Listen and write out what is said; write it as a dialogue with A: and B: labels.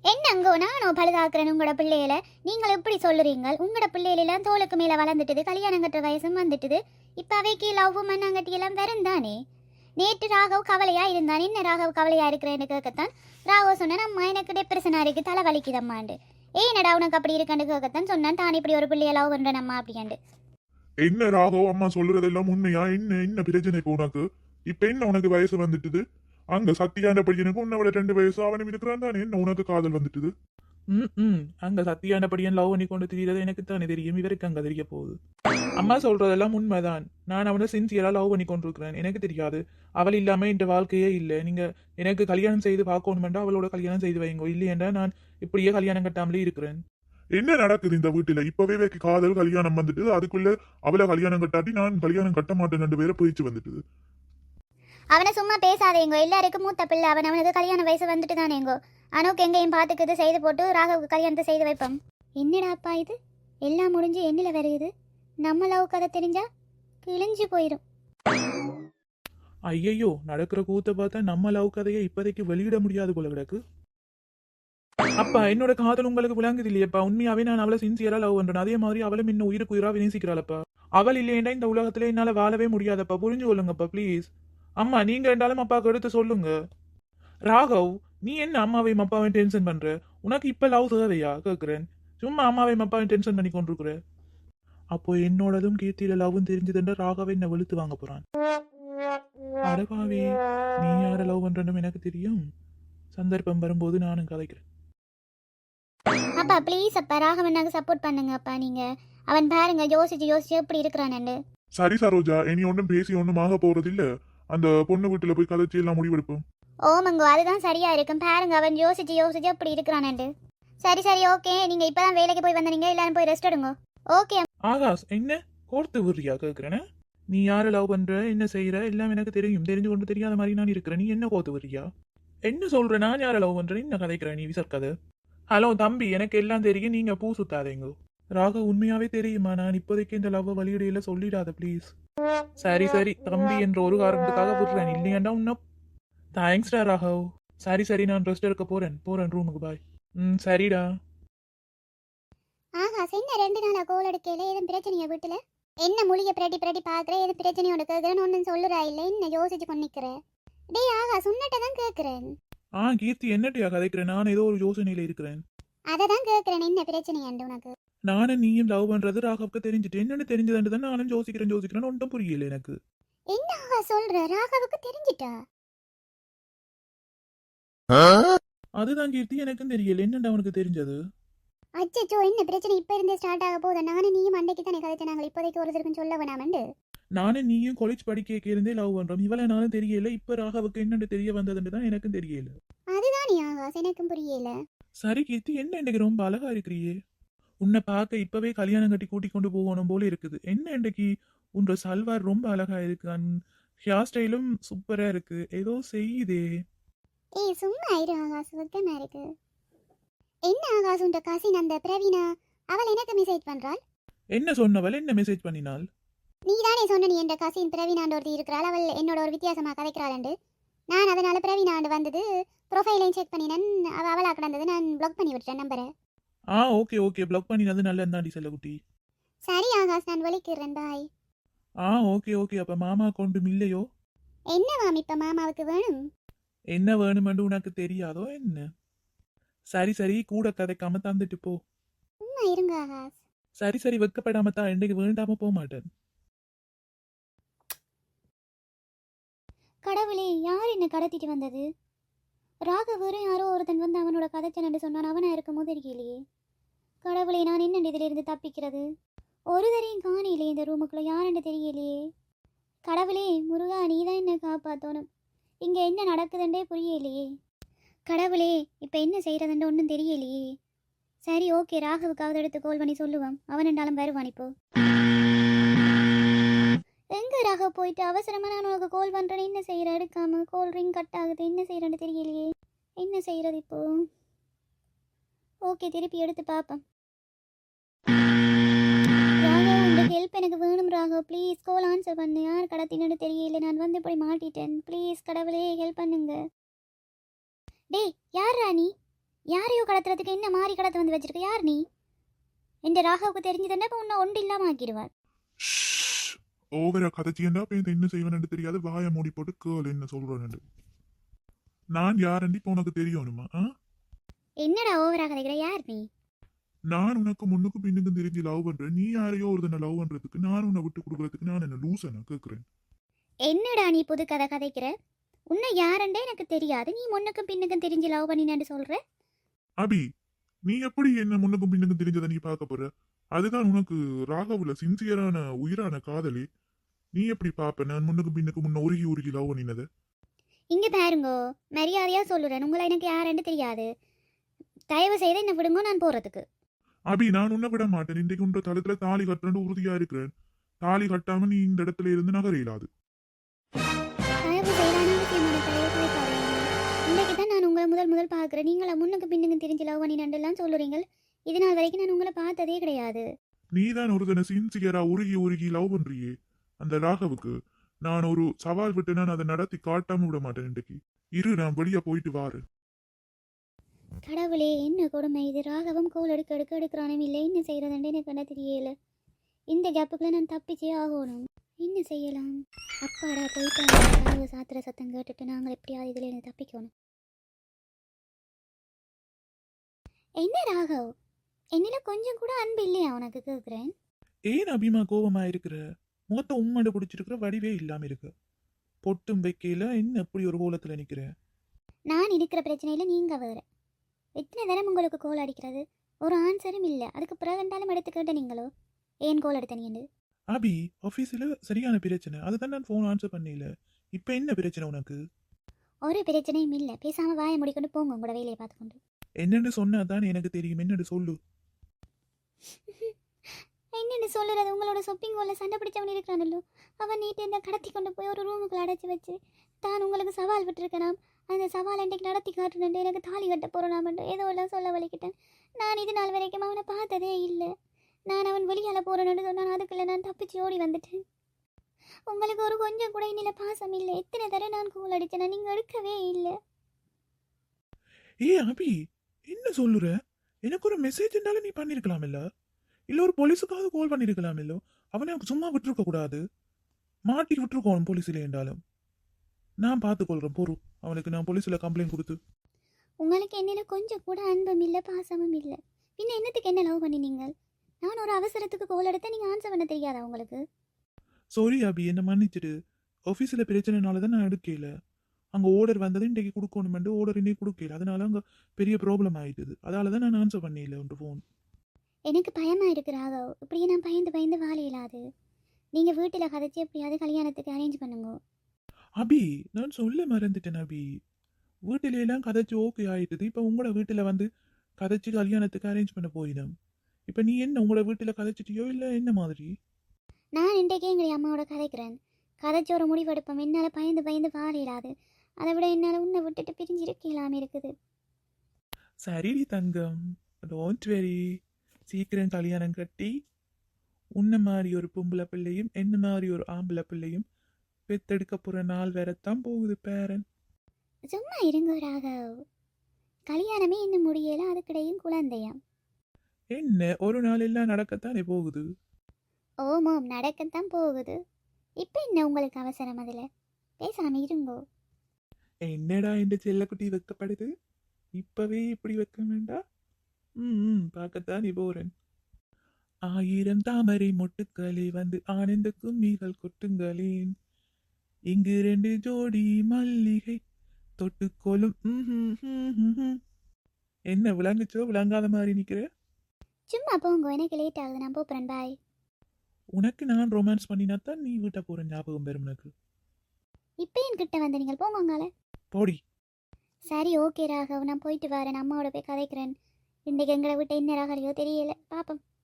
A: என்னங்கோ நானும் பழுதாக்குறேன் உங்களோட பிள்ளையில. நீங்கள் எப்படி சொல்லுறீங்க? உங்களோட பிள்ளைகளெல்லாம் தோளுக்கு மேலே வளர்ந்துட்டுது, கல்யாணம் கட்டுற வயசும் வந்துட்டுது. இப்போ அவைக்கு லவ் மண்ணாங்கட்டி எல்லாம் வரும் தானே. நேற்று ராகவ் கவலையா இருந்தான். என்ன ராகவ் கவலையா இருக்கிறேன்னு கேட்கத்தான் ராகவ் சொன்னேன், அம்மா எனக்கு டிப்ரெஷனா இருக்கு, தலை வலிக்குதம்மாண்டு. ஏன்னடா உனக்கு அப்படி இருக்கான்னு கேட்கத்தான் சொன்னான், தான் இப்படி ஒரு பிள்ளைய லவ் பண்றேன் அம்மா அப்படின்ட்டு.
B: என்ன ராகவ், அம்மா சொல்றதெல்லாம் உண்மையா? என்ன என்ன பிரச்சனை இப்போ உனக்கு? இப்ப என்ன உனக்கு வயசு வந்துட்டுது? அங்க சத்தியாண்ட பையனுக்கு உன்னை விட 2 வயசு அவனும் இருக்கிறான் தானே. என்ன உனக்கு காதல் வந்துட்டுது?
C: அங்க சத்தியானபடியன் லவ் பண்ணி கொண்டு திரியறது எனக்கு தானே தெரியும். இவருக்கு அங்க தெரிய போகுது. அம்மா சொல்றதெல்லாம் உண்மைதான். நான் அவனை சின்சியரா லவ் பண்ணி கொண்டிருக்கிறேன். எனக்கு தெரியாது, அவள் இல்லாம இந்த வாழ்க்கையே இல்லை. நீங்க எனக்கு கல்யாணம் செய்து பார்க்கணுமெண்டா அவளோட கல்யாணம் செய்து வைங்க, இல்லையென்றா நான் இப்படியே கல்யாணம் கட்டாமலே இருக்கிறேன்.
B: என்ன நடக்குது இந்த வீட்டுல? இப்பவே காதல் கல்யாணம் வந்துட்டு அதுக்குள்ள அவளை கல்யாணம் கட்டாட்டி நான் கல்யாணம் கட்ட மாட்டேன் 2 பேரை போயிச்சு வந்துட்டுது.
A: அவனை சும்மா பேசாதேங்கோ, எல்லாருக்கும் மூத்த பிள்ளை அவன். அவனுக்கு கல்யாண வயசு வந்துட்டு தானேங்கோ. அனுக்கு எங்கேயும் பார்த்துக்குது செய்து போட்டு ராகவுக்கு கல்யாணத்தை செய்து வைப்போம். என்னடாப்பா இது? எல்லாம் முடிஞ்சு எண்ணில வருகுது. நம்ம லவ் கதை தெரிஞ்சா கிழிஞ்சு போயிடும்.
C: ஐயையோ, நடக்கிற கூத்த பார்த்தா நம்ம லவ் கதையை இப்போதைக்கு வெளியிட முடியாது போல கிடக்கு. அப்பா, என்னோட காதல் உங்களுக்கு விளங்குது இல்லையப்பா. உண்மையாவே நான் அவளை சின்சியரா லவ் பண்றேன். அதே மாதிரி அவளும் இன்னும் உயிருக்கு உயிரா நேசிக்கிறாளப்பா. அவள் இல்லையேண்டா இந்த உலகத்துல என்னால வாழவே முடியாதப்பா. புரிஞ்சு கொள்ளுங்கப்பா ப்ளீஸ். அம்மா, நீங்க ரெண்டாலும் அப்பாவுக்கு எடுத்து சொல்லுங்க. ராகவ், நீ என்ன அம்மாவையும் அப்பாவையும் டென்ஷன் பண்ற? உனக்கு இப்ப லவ் தேவையா கேக்குறேன். சும்மா அம்மாவையும் அப்பாவையும் டென்ஷன் பண்ணி கொண்டிருக்கிற. அப்போ என்னோடதும் கீர்த்தியில லவ்வும் தெரிஞ்சதுன்ற ராகவை என்ன வெளுத்து வாங்க போறான். அடபாவி, நீ யார லவ் பண்றன்னு எனக்கு தெரியும். சந்தர்ப்பம் வரும்போது நானும் கதைக்கிறேன்.
A: அப்பா ப்ளீஸ் அப்பா, ராகவனுக்கு சப்போர்ட் பண்ணுங்க அப்பா. நீங்க அவன் பாருங்க யோசிச்சு யோசிச்சு எப்படி இருக்கிறான்னு.
B: சரி சரோஜா, இனி ஒன்றும் பேசி ஒன்றும் ஆக போறது இல்ல. அந்த பொண்ணு வீட்டுல போய் கதைச்சி எல்லாம் முடிவெடுப்போம்.
A: ஓமங்கோ, அதுதான் சரியா இருக்கும். பாருங்க அவன் யோசிச்சு யோசிச்சு எப்படி இருக்கிறான்னு. சரி சரி ஓகே, நீங்க இப்பதான் வேலைக்கு போய் வந்தீங்க, எல்லாரும் போய் ரெஸ்ட் எடுங்க. ஓகே.
C: ஆகாஷ், என்ன கோர்த்து விடுறியா கேக்குறேன்னு? நீ யாரை லவ் பண்ற, என்ன செய்யற எல்லாம் எனக்கு தெரியும். தெரிஞ்சு கொண்டு தெரியாத மாதிரி நான் இருக்கிறேன். நீ என்ன கோர்த்து விடுறியா? என்ன சொல்ற? நான் யாரை லவ் பண்றேன் என்ன கதைக்கிறேன் நீ விசர்க்கதை? ஹலோ தம்பி, எனக்கு எல்லாம் தெரியும். நீங்க பூ சுத்தாதேங்க. ராக, உண்மையாவே தெரியுமா? நான் இப்போதைக்கு இந்த லவ் வழியிடையில சொல்லிடாத ப்ளீஸ். சரி சரி தம்பி என்ற ஒரு காரணத்துக்காக விடுறேன், இல்லையாண்டா உன்ன. தேங்க்ஸ்டா ராகவ். சரி சரி, நான் ரெஸ்ட் எடுக்க போறேன் ரூமுக்கு. பாய். சரிடா.
A: ஆஹா, என்ன 2 நாளா கோல் எடுக்கல? எதுவும் பிரச்சனையா வீட்டுல? என்ன மொழிய பிரட்டி பிரட்டி பாக்குற? எது பிரச்சனையோட கேக்குறேன்னு ஒன்னும் சொல்லுறா இல்ல? என்ன யோசிச்சு கொண்டிக்கிறேன்? டேய் ஆகா, சுண்ணட்டதான் கேக்குறேன்.
C: கீர்த்தி, என்னட்டியா கதைக்கிறேன்? நான் ஏதோ ஒரு யோசனையில இருக்கிறேன்.
A: அததான் கேக்குறேன், என்ன பிரச்சனையாண்டு உனக்கு?
C: நானும் நீயும் லவ் பண்றது ராகவுக்கு தெரிஞ்சுட்டு என்னன்னு தெரிஞ்சதுன்னு தான் நானும் யோசிக்கிறேன் ஒன்றும் புரியல எனக்கு.
A: என்ன ஆகா சொல்ற? ராகவுக்கு தெரிஞ்சிட்டா?
C: அதுதான் கீர்த்தி, எனக்கும் தெரியல என்னடா அவனுக்கு தெரிஞ்சது.
A: அச்சச்சோ, என்ன பிரச்சனை இப்ப இருந்தே ஸ்டார்ட் ஆக போகுது? நானும் நீயும் அன்னைக்கு தானே கதைச்சாங்க, இப்போதைக்கு ஒருத்தருக்கும் சொல்ல வேணாமண்டு.
C: நானும் நீயும் காலேஜ் படிக்க இருந்தே லவ் பண்றோம். இவளை நானும் தெரியல, இப்ப ராகவுக்கு என்னன்னு தெரிய வந்ததுன்னு தான் எனக்கும் தெரியல.
A: அதுதான் ஆகாஸ், எனக்கும் புரியல.
C: சரி கீர்த்தி, என்ன இன்னைக்கு ரொம்ப அழகா இருக்கிறியே? உன்னை பார்க்க இப்பவே கல்யாணம் கட்டி கூட்டி கொண்டு போகணும் போல இருக்குது. என்ன இன்னைக்கு உன்ற சல்வார் ரொம்ப அழகா இருக்கு, ஹேர் ஸ்டைலும் சூப்பரா இருக்கு, ஏதோ செய்யுதே.
A: ஏய் சும்மா இரு ஆகாஷ், சுத்தமா இருக்கு. என்ன ஆகாஷ், உண்ட கசின் அந்த பிரவீனா, அவள் எனக்கு மெசேஜ் பண்றாள்.
C: என்ன சொன்னவள்? என்ன மெசேஜ் பண்ணினாள்?
A: நீ தானே சொன்ன, நீ என்ற கசின் பிரவீனாண்டு ஒருத்தி இருக்கிறாள், அவள் என்னோட ஒரு வித்தியாசமா கதைக்கிறாள். நான் அதனால பிரவீனாண்டு வந்தது ப்ரொஃபைலையும் செக் பண்ணினேன், அவளா கிடந்தது, நான் பிளாக் பண்ணி விட்டுட்டேன் நம்பரை.
C: ஓகே பிளாக் பண்ணினது நல்ல தாண்டி செல்லகுட்டி.
A: சரி ஆகாஷ், நான் வலிக்கிறேன், பாய்.
C: ஓகே அப்ப மாமா கொண்டு இல்லையோ?
A: என்ன மாம் இப்ப மாமாவுக்கு வேணும்?
C: என்ன வேணுமென்று உனக்கு தெரியாதோ என்ன? சரி கூட கதைக்காம தந்துட்டு போ.
A: சும்மா இருங்க ஆகாஷ்.
C: சரி வெக்கப்படாம தான், இன்னைக்கு வேண்டாம போக மாட்டேன்.
A: கடவுளே, யார் என்ன கடத்திட்டு வந்தது? ராகவரும் யாரோ ஒருத்தன் வந்து அவனோட கதைச்சனன்னு சொன்னான், அவனா இருக்கும் போது இருக்கலையே. கடவுளே, நான் என்ன இதிலிருந்து தப்பிக்கிறது? ஒரு தரையும் காணையிலே இந்த ரூமுக்குள்ள, யாருன்னு தெரியலையே. கடவுளே முருகா, நீ தான் என்ன காப்பாற்றணும். இங்கே என்ன நடக்குதுன்றே புரியலையே. கடவுளே, இப்போ என்ன செய்கிறதுன்ற ஒன்றும் தெரியலையே. சரி ஓகே, ராகவுக்காவது எடுத்து கால் பண்ணி சொல்லுவான், அவன் ரெண்டாலும் வருவான். இப்போ எங்கே ராகவ் போயிட்டு? அவசரமாக நான் உனக்கு கால் பண்ணுறேன், என்ன செய்கிற? எடுக்காம கால் ரிங் கட் ஆகுது, என்ன செய்கிறேன்னு தெரியலையே. என்ன செய்கிறது இப்போ? ஓகே, திருப்பி எடுத்து பார்ப்பேன். ராகவ், இந்த ஹெல்ப் எனக்கு வேணும் ராகவ், ப்ளீஸ் கால் ஆன்சர் பண்ணு. யார் கடத்தினு தெரியல, நான் வந்து இப்படி மாட்டிட்டேன். ப்ளீஸ் கடவுளே ஹெல்ப் பண்ணுங்க. டேய் யார் ராணி? யாரையோ கடத்துறதுக்கு என்ன மாறி கடத்த வந்து வச்சிருக்க? யார் நீ? என் ராகாவுக்கு தெரிஞ்சதுன்னா இப்போ உன்னை ஒன்று இல்லாமல் ஆக்கிடுவான்.
B: ஓவரா கதைச்சியண்டா இப்ப இந்த என்ன செய்வேன்னு தெரியாது. வாயை மூடி போட்டு கேள் என்ன சொல்றேன்னு. நான் யாரண்டி இப்ப உனக்கு தெரியணுமா?
A: என்னடா ஓவரா கதைக்கிற? யார் நீ?
B: நான் உனக்கு முன்னுக்கும் பின்னுக்கும் தெரிஞ்சு லவ் பண்றேன். நீ யாரையோ ஒருத்தனை லவ் பண்றதுக்கு நான் உன்னை விட்டு கொடுக்கறதுக்கு நான் என்ன லூசனா கேக்குறேன்?
A: என்னடா நீ புது கதை கதைக்கிற? உன்னை யாருண்டே எனக்கு தெரியாது. நீ முன்னுக்கும் பின்னுக்கும் தெரிஞ்சு லவ் பண்ணினு சொல்ற.
B: அபி, நீ எப்படி என்ன முன்னுக்கும் பின்னுக்கும் தெரிஞ்சதை நீ பார்க்க போற? அதுதான் உனக்கு ராகவுல சின்சியரான உயிரான காதலி. நீ எப்படி பாப்ப நான் முன்னுக்கும் பின்னுக்கும் முன்ன உருகி உருகி லவ் பண்ணினது?
A: இங்க பாருங்கோ, மரியாதையா சொல்லுறேன். உங்களை எனக்கு யாருன்னு தெரியாது. தயவு செய்து என்ன விடுங்க, நான் போறதுக்கு.
B: அபி, நான் உன்னை விட மாட்டேன். இன்றைக்கு உன்ற தளத்துல தாலி கட்டுறேன்னு உறுதியா இருக்கிறேன். தாலி கட்டாம நீ இந்த இடத்துல இருந்து நகர இயலாது.
A: தயவு செய்து அனாவசியமான தயவு கேட்காதீங்க. இன்னைக்கு தான் நான் உங்களை முதல் பார்க்குறேன். நீங்களா முன்னுக்கு பின்னுக்கு தெரிஞ்சு லவ் பண்ணினெல்லாம் சொல்லுறீங்க. இது நாள் வரைக்கும் நான் உங்களை பார்த்ததே கிடையாது.
B: நீதான் ஒருத்தனை சின்சியரா உருகி உருகி லவ் பண்றியே. அந்த ராகவுக்கு நான் ஒரு சவால் விட்டு நான் அதை நடத்தி காட்டாம விட மாட்டேன். இன்றைக்கு இரு, நான் வெளியே போயிட்டு வாரு.
A: கடவுளே, என்ன கொடுமை இது! ராகவும் கோல் எடுக்கிறானும் இல்லை. என்ன செய்யறதுன்னு எனக்கு என்ன தெரியல. இந்த கேப்புக்குள்ள நான் தப்பிச்சே ஆகணும். என்ன செய்யலாம்? அப்பாடா, போயிட்டாங்க. கதவு சாத்திர சத்தம் கேட்டுட்டு நாங்கள் எப்படியாவது இதுல இருந்து தப்பிக்கணும். என்ன ராகவ், என்னில கொஞ்சம் கூட அன்பு இல்லையா உனக்கு? கேட்குறேன்.
C: ஏன் அபிமா கோபமா இருக்கிற? முகத்தை உம்மண்டு பிடிச்சிருக்கிற வடிவே இல்லாம இருக்கு. பொட்டும் வைக்கையில என்ன எப்படி ஒரு கோலத்துல நிக்கிற?
A: நான் இருக்கிற பிரச்சனையில நீங்க வேற. எத்தனை தரம் உங்களுக்கு கோல் அடிக்கிறது? ஒரு ஆன்சரும் இல்லை. அதுக்கு பிறகுண்டாலும் எடுத்துக்கிட்ட நீங்களோ ஏன் கோல் எடுத்த நீண்டு?
C: அபி, ஆஃபீஸில் சரியான பிரச்சனை. அதுதான் நான் ஃபோன் ஆன்சர் பண்ணல. இப்போ என்ன பிரச்சனை உனக்கு?
A: ஒரு பிரச்சனையும் இல்லை. பேசாம வாயை முடிக்கொண்டு போங்க உங்களோட வேலையை பார்த்துக்கொண்டு.
C: என்னன்னு சொன்னா தான் எனக்கு தெரியும். என்னன்னு சொல்லு.
A: என்னென்னு சொல்லுறது? உங்களோட ஷாப்பிங் மாலில் சண்டை பிடிச்சவன் இருக்கிறானല്ലോ, அவன் நீட்டு என்ன கடத்தி கொண்டு போய் ஒரு ரூமுக்குள்ள அடைச்சி வச்சு தான் உங்களுக்கு சவால் விட்டுருக்கனாம். அந்த சவால் இன்றைக்கு நடத்தி காட்டுனு எனக்கு தாலி கட்ட போகிறோம் ஏதோ எல்லாம் சொல்ல வலிக்கிட்டேன். நான் இது நாள் வரைக்கும் அவனை பார்த்ததே இல்லை. நான் அவன் வெளியால் போகிறேன்னு சொன்னான். அதுக்குள்ளே நான் தப்பிச்சு ஓடி வந்துட்டேன். உங்களுக்கு ஒரு கொஞ்சம் கூட இன்னில் பாசம் இல்லை. எத்தனை தடவை நான் கோல் அடித்தேன், நீங்கள் எடுக்கவே இல்லை.
C: ஏ அபி, என்ன சொல்லுற? எனக்கு ஒரு மெசேஜ் இருந்தாலும் நீ பண்ணிருக்கலாம் இல்ல? இல்ல ஒரு போலீஸுக்காவது கால் பண்ணிருக்கலாம் இல்ல? அவனை சும்மா விட்டுருக்க கூடாது. மாட்டி விட்டுருக்கோம் போலீஸ்ல என்றாலும். நான் பார்த்துக்கொள்றேன் பொறு. அவனுக்கு நான் போலீஸ்ல கம்ப்ளைண்ட் கொடுத்து.
A: உங்களுக்கு என்னில் கொஞ்சம் கூட அன்பும் இல்லை, பாசமும் இல்லை. பின்ன என்னத்துக்கு என்ன லவ் பண்ணினீங்க? நான் ஒரு அவசரத்துக்கு கோல் எடுத்தேன், நீங்கள் ஆன்சர் பண்ண தெரியாதா உங்களுக்கு?
C: சாரி அபி, என்ன மன்னிச்சிடு. ஆஃபீஸில் பிரச்சனைனால தான் நான் எடுக்கல. அங்கே ஆர்டர் வந்தது இன்றைக்கு கொடுக்கணுமெண்டு ஆர்டர் இன்னைக்கு கொடுக்கல. அதனால அங்கே பெரிய ப்ராப்ளம் ஆயிட்டுது. அதால தான் நான் ஆன்சர் பண்ணல உன் ஃபோன்.
A: எனக்கு பயமாக இருக்கிறாக. இப்படியே நான் பயந்து வாழ இயலாது. நீங்கள் வீட்டில் கதைச்சி எப்படியாவது கல்யாணத்துக்கு அரேஞ்ச் பண்ணுங்க.
C: அபி, நான் சொல்ல மறந்துட்டேன் அபி. வீட்டில எல்லாம் கதைச்சு ஓகே ஆயிட்டுது. இப்போ உங்களோட வீட்டில் வந்து கதைச்சு கல்யாணத்துக்கு அரேஞ்ச் பண்ண போயிடும். இப்போ நீ என்ன உங்களோட வீட்டில் கதைச்சிட்டியோ இல்லை என்ன மாதிரி?
A: நான் இன்றைக்கே எங்கள் அம்மாவோட கதைக்கிறேன். கதைச்சி ஒரு முடிவெடுப்போம். என்னால் பயந்து வாழ இயலாது. அதை விட என்னால் உன்னை விட்டுட்டு பிரிஞ்சிருக்கலாமே இருக்குது.
C: சரிடி தங்கம், டோன்ட் வெரி. சீக்கிரம் கல்யாணம் கட்டி உன்ன மாதிரி ஒரு பொம்பளை பிள்ளையும் என்ன மாதிரி ஒரு ஆம்பளை பிள்ளையும் பெத்தெடுக்க போகிற நாள் வேறத்தான் போகுது பேரன்.
A: சும்மா இருங்க ராகவ். கல்யாணமே இன்னும் முடியல, அதுக்கிடையும் குழந்தையாம்.
C: என்ன ஒரு நாள் எல்லாம் நடக்கத்தானே போகுது.
A: ஓமோம், நடக்கத்தான் போகுது. இப்போ என்ன உங்களுக்கு அவசரம்? அதில் பேசாமல் இருங்கோ.
C: என்னடா இந்த செல்லக்குட்டி வைக்கப்படுது? இப்பவே இப்படி வைக்க வேண்டாம். பார்க்கத்தான் நீ போறேன். 1000 தாமரை மொட்டுக்களே வந்து ஆனந்த கும்மிகள் கொட்டுங்களேன். இங்கு 2 ஜோடி மல்லிகை தொட்டுக்கொள்ளும். என்ன விளங்குச்சோ விளங்காத மாதிரி நிக்கிற?
A: சும்மா போங்க, எனக்கு லேட் ஆகுது, நான் போகிறேன். பாய்.
C: உனக்கு நான் ரொமான்ஸ் பண்ணினா தான் நீ வீட்டை போற ஞாபகம் பெறும் எனக்கு.
A: இப்போ என்கிட்ட வந்து நீங்கள் போங்கங்கால.
C: போடி.
A: சரி, ஓகே ராகவ், நான் போயிட்டு வரேன். அம்மாவோட போய் கதைக்கிறேன். இன்றைக்கு எங்களை விட்டு என்ன ராகலையோ தெரியல. பாப்போம்.